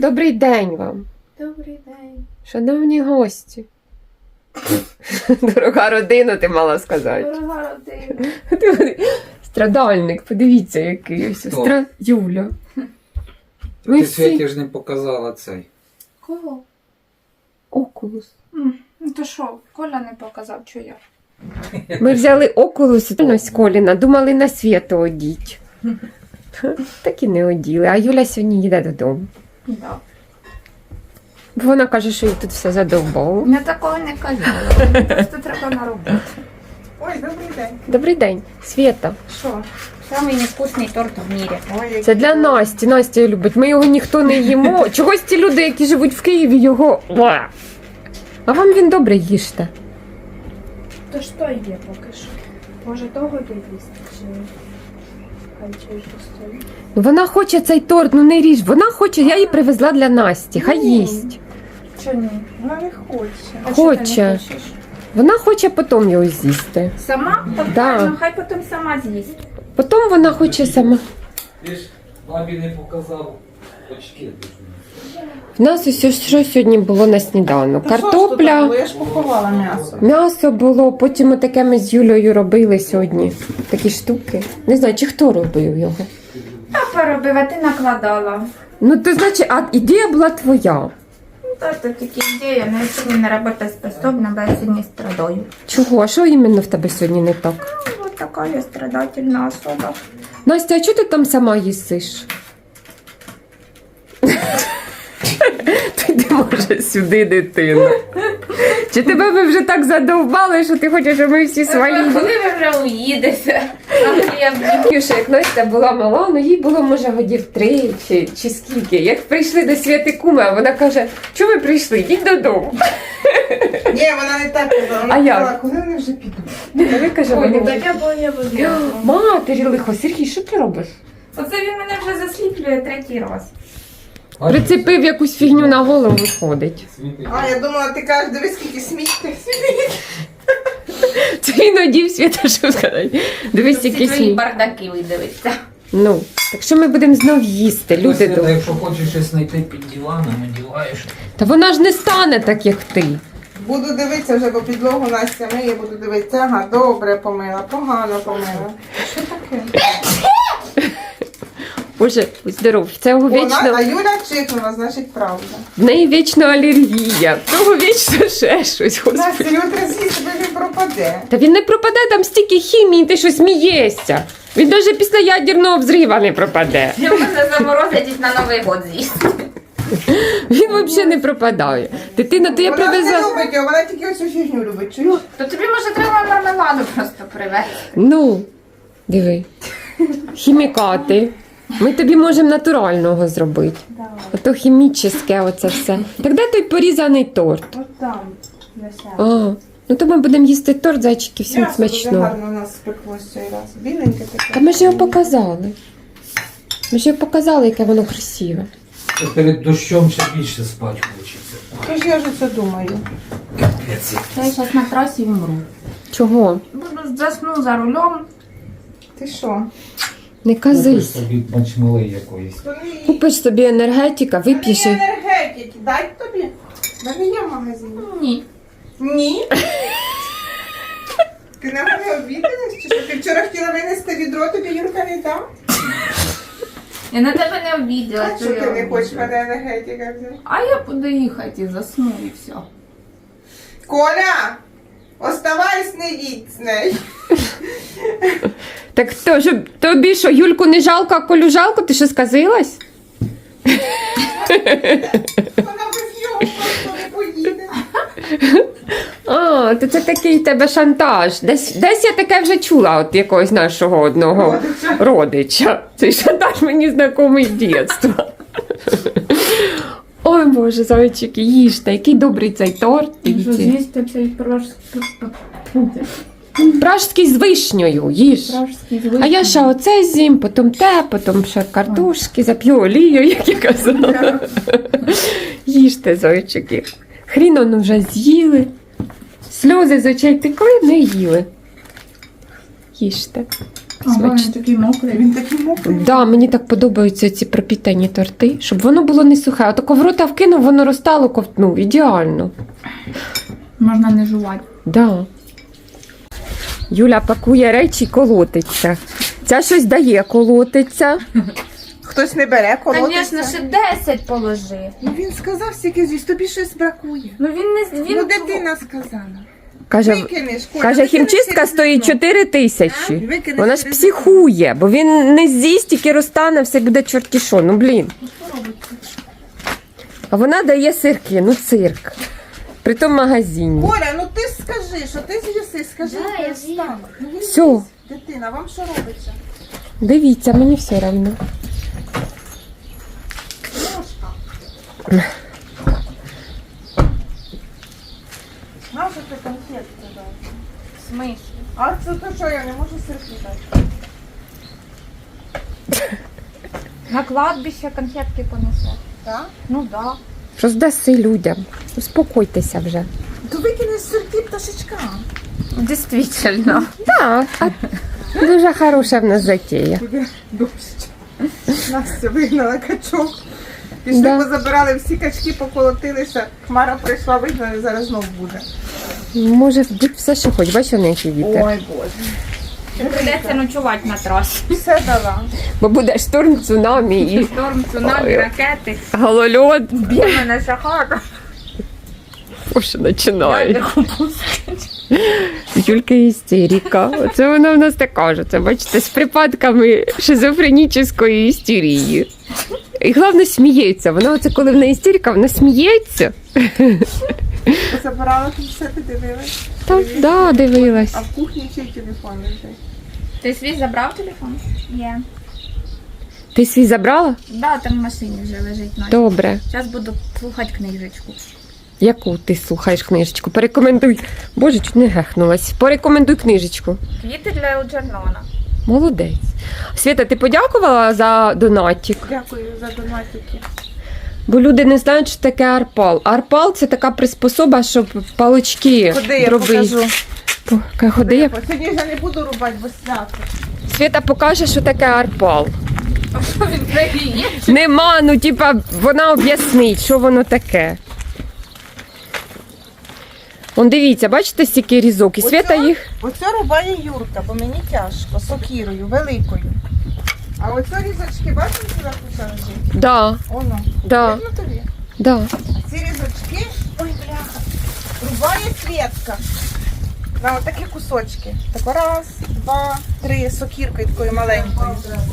Добрий день вам. Добрий день. Шановні гості. Дорога родина, ти мала сказати. Дорога родина. Страдальник, подивіться, який ось. Хто? Юля. Ми Ти всі... Світі ж не показала цей. Кого? Окулус. Ну то що, Коля не показав, що я. Ми взяли окулус з Коліна, думали на свято одіть. Так і не оділи. А Юля сьогодні їде додому. Да. Бо вона каже, що їй тут все задовбало. Я такого не казала. Просто треба на роботу. Ой, добрий день. Добрий день, Свєта. Що? Самий невкусний торт в мірі. Ой, Це для Насті. Настя його любить. Ми його ніхто не їмо. Чогось ті люди, які живуть в Києві, його... А вам він добре їжте. То що є поки що? Може того їсти, чи хай чуть постоїть? Ну, вона хоче цей торт, ну не ріж. Вона хоче, я її привезла для Насті. Хай їсть. Чи ні? вона не хоче. А що ти Хоче. не хочеш? Вона хоче потім його з'їсти. Сама? Так Да. правильно, хай потім сама з'їсть. Потім вона хоче сама. Ти ж бабі не показав очки. В нас ось що сьогодні було на сніданок. Та що ж тут Картопля, було? Я ж поховала м'ясо. м'ясо було, потім таке ми з Юлею робили сьогодні. Такі штуки. Не знаю, чи хто робив його. Папа робив, а ти накладала. Ну, то значить, а ідея була твоя. Ну, то тільки ідея, але я сьогодні не роботоспособна, бо я сьогодні страдаю. Чого? А що іменно в тебе сьогодні не так? Ну, вот така я страдательна особа. Настя, а чого ти там сама їсиш? Ти може сюди, дитина. Чи тебе ви вже так задовбали, що ти хочеш, щоб ми всі свалили? Коли ви вже уїдете? Юша, як Настя була мала, ну їй було, може, годів 3 чи скільки. Як прийшли до Святи Куми, а вона каже, чого ви прийшли? Йдіть додому. Ні, вона не так казала. Вона А як? казала, коли вони вже підуть. А ви каже, Ой, вони... таке боє води. Матері лихо, Сергій, що ти робиш? Оце він мене вже засліплює третій раз. Прицепив якусь фігню на голову, виходить. А, я думала, ти кажеш, дивись, скільки сміття. Це він одів Свята, що сказати. Дивись, Всі який твої сміх. бардаки видивиться. Ну, так що ми будемо знов їсти, люди Свята, добрі. якщо хочеш щось знайти під диваном, одіваєш. Та вона ж не стане так, як ти. Буду дивитися вже, бо підлогу Настя миє, буду дивитися. Ага, добре помила, погано помила. Що таке? Боже, будь здоров, в цього Вона, вічно, а Юля чикнула, значить правда. в неї вічно алергія, в того вічно ще щось, Настя, господи. Юля з'їсть, тебе він пропаде. Та він не пропаде, там стільки хімії, ти що смієшся. Він навіть після ядерного взрива не пропаде. Я мене заморозять і на Новий год з'їсти. Він взагалі не пропадає. Дитина, то я Вона ж не привезла. любить його, вона тільки оцю фігню любить. Чуєш? То тобі, може, треба мармеладу просто привезти. Ну, диви. Хімікати. Ми тобі можемо натурального зробити. Ото хімічне оце все. Так де той порізаний торт? От там, Леся. А, ну то ми будемо їсти торт, зайчики, всім М'ясо дуже смачного. гарно у нас спеклося цей раз. Біленьке таке. Та ми ж його показали. Ми ж його показали, яке воно красиве. Перед дощом ще більше спати хочеться. Тож я ж це думаю. Капець. Я зараз на трасі вмру. Чого? Буду засну за рулем. Ти що? Не Купиш казись. собі мачмели якоїсь. Купиш собі енергетика, вип'єш. Мені і- енергетики, дай тобі. В мене є в магазині. Ні. Ні. Ти на мене обідалась? Чи що? Ти вчора хотіла винести відро, тобі Юрка не дав? Я на тебе не обіділа. А що ти не хочеш мене енергетика взяти? А я буду їхати і засну і все. Коля! Оставайся, не їдь з нею. Так то, щоб тобі що, Юльку не жалко, а Колю жалко? Ти що сказилась? Вона без нього просто не поїде. А, то це такий в тебе шантаж. Десь я таке вже чула от якогось нашого одного родича. Цей шантаж мені знайомий з дитинства. Ой, Боже, зайчики, їжте, який добрий цей торт. Дивіться. З'їсти цей Пражський з вишнею, їж. пражський А я ще оце з'їм, потім те, потім ще картошки, зап'ю олію, як я казала. Їжте, зайчики. Хрін он вже з'їли. Сльози з очей текли, не їли. Їжте. Ага, він такий мокрий. Він такий мокрий. Да, мені так подобаються ці пропітані торти, щоб воно було не сухе. А тако в рота вкинув, воно розтало, ковтнув. Ідеально. Можна не жувати. Да. Юля пакує речі, колотиться. Ця щось дає, колотиться. Хтось не бере, колотиться. Звісно, ще 10 положи. Ну він сказав стільки з'їсть, тобі щось бракує. Ну він не Ну дитина сказала. Каже, Викинеш, Коля, каже, викинеш хімчистка через стоїть вікно. 4 тисячі. Викинеш Вона ж через психує, бо він не з'їсть, тільки розтане, все буде чорті що. Ну, блін. А вона дає сирки, ну цирк. При тому магазині. Коля, ну ти скажи, що ти з'їси, скажи, Да, я перестань. Ну, він Все. їсть. Дитина, вам що робиться? Дивіться, мені все одно. Наша ти конфетки дати? В смислі? А це то що, я не можу сирки дати? На кладбище конфетки понесе. Так? Ну да. Роздаси людям. Успокойтеся вже. То викинеш сирки пташечкам. Дійсно. Так, дуже хороша в нас затія. Буде дощ. Настя вигнала качок. Пішли, Да. позабирали всі качки, поколотилися. Хмара прийшла, вигнали, зараз знов буде. Може бути все, що хоч. Бачиш, на який вітер. Ой, Боже. Придеться ночувати на трасі. Все дала. Бо буде шторм, цунамі і Шторм, цунамі, Ой. ракети. голольот. Б'є мене шахара. Що починає? Юлька істерика. Оце вона в нас так каже. Це, бачите, з припадками шизофренічної істерії. І головне сміється. Вона оце коли в неї істерика, вона сміється. Позабирала тут все, ти дивилась? Так, да, дивилась. А в кухні чий телефон лежить? Ти свій забрав телефон? Є. Ти свій забрала? Да, там в машині вже лежить. Настя. Добре. Зараз буду слухати книжечку. Яку ти слухаєш книжечку? Порекомендуй. Боже, чуть не гехнулась. Порекомендуй книжечку. Квіти для Елджернона. Молодець. Свята, ти подякувала за донатик? Дякую за донатики. Бо люди не знають, що таке арпал. Арпал це така приспособа, щоб палички Ходи, я дроби. покажу. Ходи, я... Сьогодні вже не буду рубати, бо свято. Свята покаже, що таке арпал. А що він пригіє? Нема, ну типа вона об'яснить, що воно таке. Он дивіться, бачите, стільки різок. І Свята їх. Оце рубає Юрка, бо мені тяжко, сокірою, великою. А оце різочки, бачите, сюди куса лежить? Да, Оно. да, Видно тобі? да. А ці різочки, ой, бляха, рубає Свєтка. На отакі кусочки. Так раз, два, три, сокіркою такою маленькою.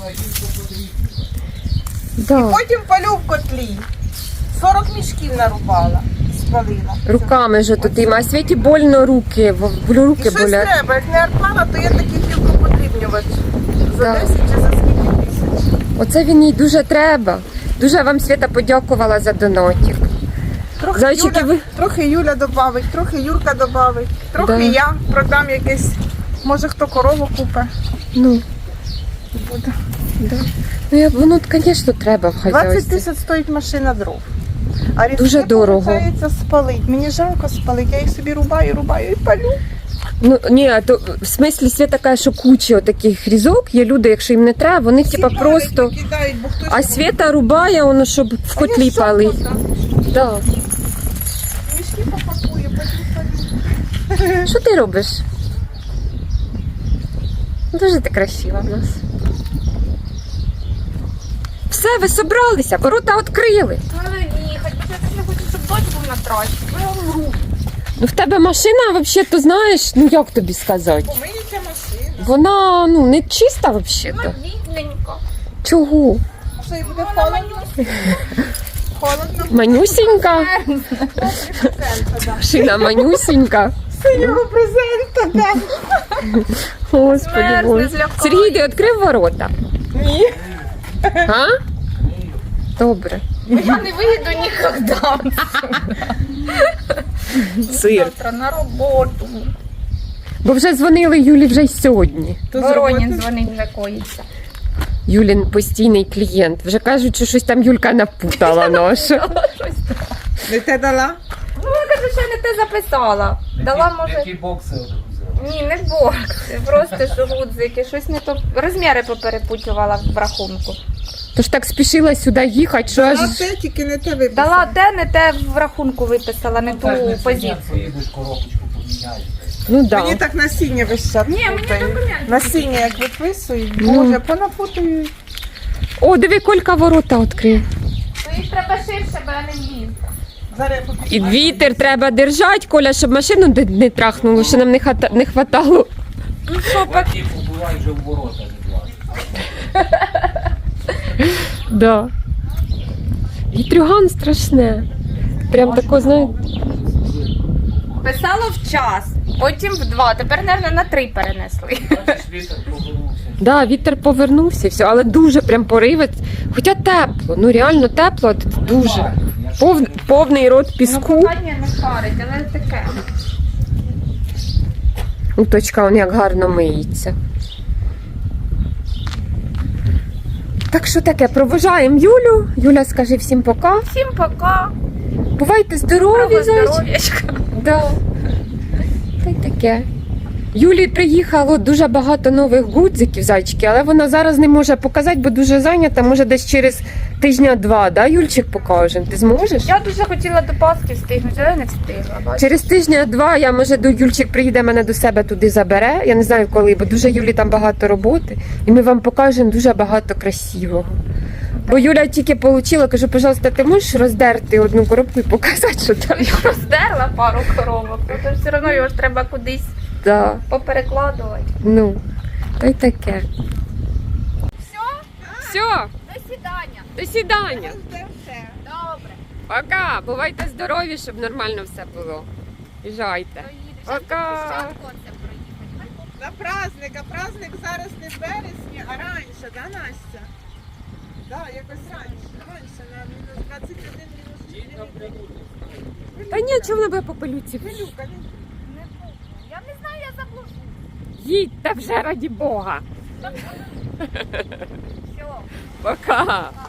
Да. Потім палю в котлі. 40 мішків нарубала, спалила. Руками ж тут їм, а Світі больно руки, І руки щось болять. треба, як не арпала, то я такий гілку подрібнювач. За Да. 10 чи за скільки тисяч. Оце він їй дуже треба. Дуже вам Свята подякувала за донатик. Трохи Зайчики, Юля, ви- трохи Юля добавить, трохи Юрка добавить, трохи Да. я продам якесь, може хто корову купить. Ну, Буде. да. Ну, воно, звісно, треба в 20 хазяйстві. тисяч стоїть машина дров. А різки, Дуже дорого. виходить, спалить. Мені жалко спалить, я їх собі рубаю і палю. Ну, ні, а то в смислі Свята каже, що куча таких різок, є люди, якщо їм не треба, вони Всі типа палять, просто... викидають, бо хтось А Свята рубає, воно, щоб в котлі палить. Да. Мішки попакує, потім палю. Що ти робиш? Дуже ти красива в нас. Все, ви собралися, ворота відкрили. Але їхати, бо я не хочу, щоб дочь був на трасі. Я вмру. Ну в тебе машина, взагалі, то знаєш, ну як тобі сказати? Помиється машина. Вона ну не чиста взагалі. Рідненько. Чого? Що і буде холодно? Холодно. Манюсінька. Шина манюсінька. Синього презента, так. Господи Мерзне, Боже. злякає. Сергій, ти відкрив ворота? Ні. А? Добре. Я не вийду ніколи. Сир. Завтра на роботу. Бо вже дзвонили Юлі вже й сьогодні. То Воронін зробити? дзвонить, вже коїться. Юлін постійний клієнт. Вже кажуть, що щось там Юлька напутала наша. Не те дала? Ну, я кажу, що я не те записала. Дала, може. Які бокси взяв? Ні, не борг. Це просто що гудзики. Щось не то. Розміри поперепутувала в рахунку. Тож так спішила сюди їхати, що аж... А це тільки не те виписала. Дала те, не те в рахунку виписала, не ту позицію. Поїдеш коробочку поміняєш. Ну да. Мені так насіння весь час. Ні, мені путають. документи. Насіння як виписують, Ну. боже, понапутують. О, диви, Колька ворота відкрив. То їх треба ширше, бо я не влізу. Зараз я І вітер треба держати, Коля, щоб машину не трахнуло, що нам не хватало. Ну що, Платі побувай вже в ворота не влазить. Да. Вітрюган страшне. Прям тако, знаєте. писало в час, потім в 2, тепер, мабуть, на 3 перенесли. Бачиш, вітер повернувся. Да, вітер повернувся, все, але дуже прям поривець. Хоча тепло, ну реально тепло, дуже. Повний рот піску. Ну, кохання не харить, але таке. Ну, точка, он як гарно миється. Так що таке, проважаємо Юлю. Юля, скажи всім пока. Всім пока. Бувайте здорові, зайчики. Здоров'ячка. Да. Та й таке. Юлі приїхало дуже багато нових гудзиків, зайчики, але вона зараз не може показати, бо дуже зайнята. Може десь через тижня-два, да, Юльчик, покажемо? Ти зможеш? Я дуже хотіла до Пасхи встигнути, але не встигла. бачиш. Через тижня-два я, може, до Юльчик приїде, мене до себе туди забере. Я не знаю коли, бо дуже Юлі там багато роботи. І ми вам покажемо дуже багато красивого. Бо Юля тільки отримала, кажу, пожалуйста, ти можеш роздерти одну коробку і показати, що там? Роздерла пару коробок, то все одно його ж треба кудись Да. поперекладувати. Ну, та й таке. Все, Все, до свидання. до свидання. Добре. Пока. Бувайте здорові, щоб нормально все було. Їжджайте. Пока. На праздник, а праздник зараз не в вересні, а раніше, да, Настя? Да, якось раніше, на мінус 21, мінус 4. Та ні, чого вона буде по пилюці? Пилюка, Я не знаю, я заблужу. Їдьте вже, раді Бога. Все. Пока.